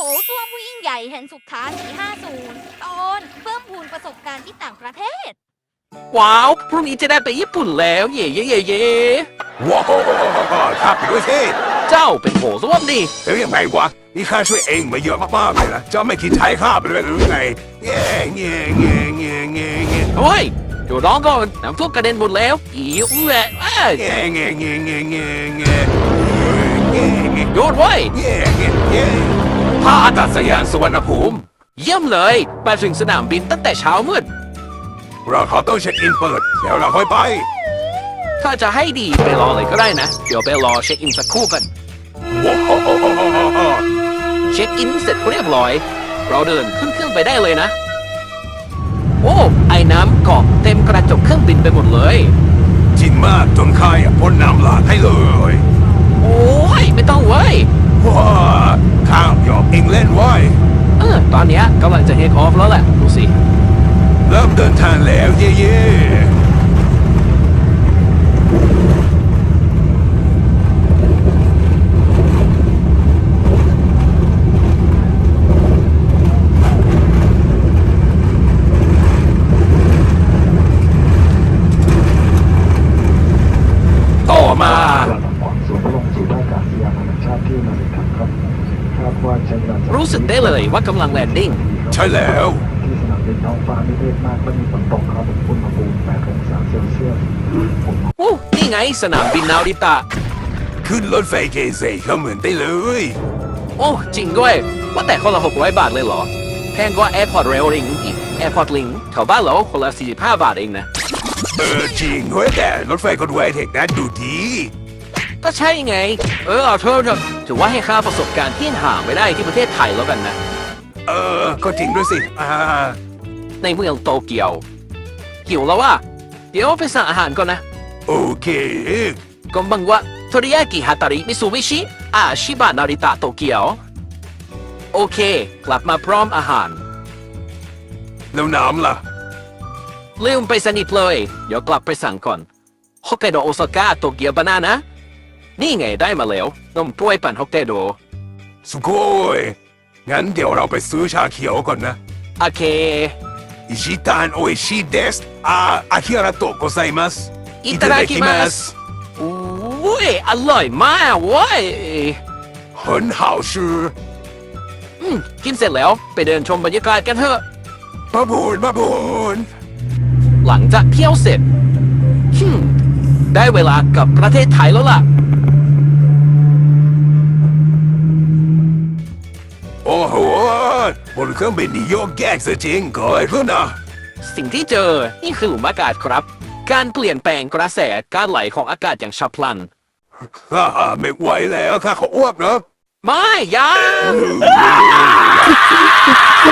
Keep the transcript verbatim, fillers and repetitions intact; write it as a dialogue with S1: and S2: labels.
S1: ส้วมผู้ยิ่งใหญ่แห่งสุขาสี่ห้าศูนย์ตอนเพิ่มพูนประสบการณ์ที่ต่างประเทศ
S2: ว้าวพรุ่งนี้จะได้ไปญี่ปุ่นแล้วเย่เย่เย่เย่
S3: ว้าวข้าไปด้วยสิ
S2: เจ้าเป็นโถส้วมดิ
S3: เอ้ยยังไงวะนี่ข้าช่วยเองมาเยอะมากๆเลยนะเจ้าไม่คิดไทยข้าไปเลยหรือไงเงี้ยเงี้ยเงี้ยเงี้ยเงี้ยเงี้ย
S2: เฮ้ยเดี๋ยวร้องก่อนน้ำท่วมกระเด็นหมดแล้วอีอุ้ยเอ้ย
S3: เงี้ยเงี้ยเงี้ยเงี้ยเงี้ยเงี้ยเงี้ยเงี้ย
S2: หยุดไว้ย
S3: เงี้ยเงี้ยเงี้ยท่าอากาศยานสุวรรณภูมิ
S2: เยี่ยมเลยไปถึงสนามบินตั้งแต่เช้ามืด
S3: เราขอต้องเช็คอินเปิดเดี๋ยวเราค่อยไป
S2: ถ้าจะให้ดีไปรอเลยก็ได้นะเดี๋ยวไปรอเช็คอินสักครู่กัน
S3: ว้าว
S2: เช็คอินเสร็จเรียบร้อยเราเดินขึ้นเครื่องไปได้เลยนะโอ้ไอ้น้ำเกาะเต็มกระจกเครื่องบินไปหมดเลย
S3: จริงมากจนข้าอยากพ่นน้ำลาดให้เลย
S2: โอ้ยไม่ต้องเว้ย
S3: ว้าข้าหยอกเองเล่นไว้
S2: เออตอนเนี้ยกำลังจะเทคออฟแล้วแหละดูสิ
S3: เริ่มเดินทางแล้วเย่เย่ต่อมา
S2: รู้สึกได้เลยว่ากำลังแลนดิ้ง
S3: ใช่แล้ว
S4: ที่สนามบินท้องฟ้าไม่มืดมากก็มีฝนตกครับอุณหภูมิแปดองศาเซลเซียส
S2: โอ้นี่ไงสนามบินนาริตะ
S3: ขึ้นรถไฟเกเซเข้าเหมือนได้เลย
S2: โอ้จริงด้วยว่าแต่คนละหกร้อยบาทเลยเหรอแพงกว่า Airport Rail Link อีก Airport Link แถวบ้านเราคนละสี่สิบห้าบาทเองนะ
S3: เออจริงเฮ้ยแต่รถไฟคนไวเทคนั้นดูดี
S2: ก็ใช่ไงเออเอาเถอะถือว่าให้ค่าประสบการณ์ที่ห่างไม่ได้ที่ประเทศไทยแล้วกันนะ
S3: เออก็จริงด้วยสิอ่า
S2: ในเมืองโตเกียวหิวแล้วว่าเดี๋ยวไปสั่งอาหารก่อนนะ
S3: โอเค
S2: こんばんはโทริยากิฮาตาริมิซูบิชิอาชิบะนาริตะโตเกียวโอเคกลับมาพร้อมอาหาร
S3: แล้วน้ำล่ะ
S2: ลืมไปสนิทเลยเดี๋ยวกลับไปสั่งก่อนฮอกไกโดโอซาก้าโตเกียวบานานะนี่ไงได้มาแล้วนมกล้วยปั่นฮอกไกโด
S3: สุโกยงั้นเดี๋ยวเราไปซื้อชาเขียวก่อนนะ
S2: โอเค
S3: อิชิตันโออิชิเดสอาอาคิระโตะโกไซมัส
S2: อิตาดาคิมัสอุ้ยอร่อยมากเว้ย
S3: 很好吃
S2: อืมกินเสร็จแล้วไปเดินชมบรรยากาศกันเถอะ
S3: มาบูนมาบูน
S2: หลังจากเที่ยวเสร็จฮึมได้เวลากลับประเทศไทยแล้วล่ะ
S3: โอ้โหบนเครื่องบินนี่โยกแยกซะจริงเกิดขึ้นนะ
S2: สิ่งที่เจอนี่คือหลุมอากาศครับการเปลี่ยนแปลงกระแสการไหลของอากาศอย่างฉับพลัน
S3: ฮ่าไม่ไหวแล้วข้าขออ้วกนะ
S2: ไม่ยัง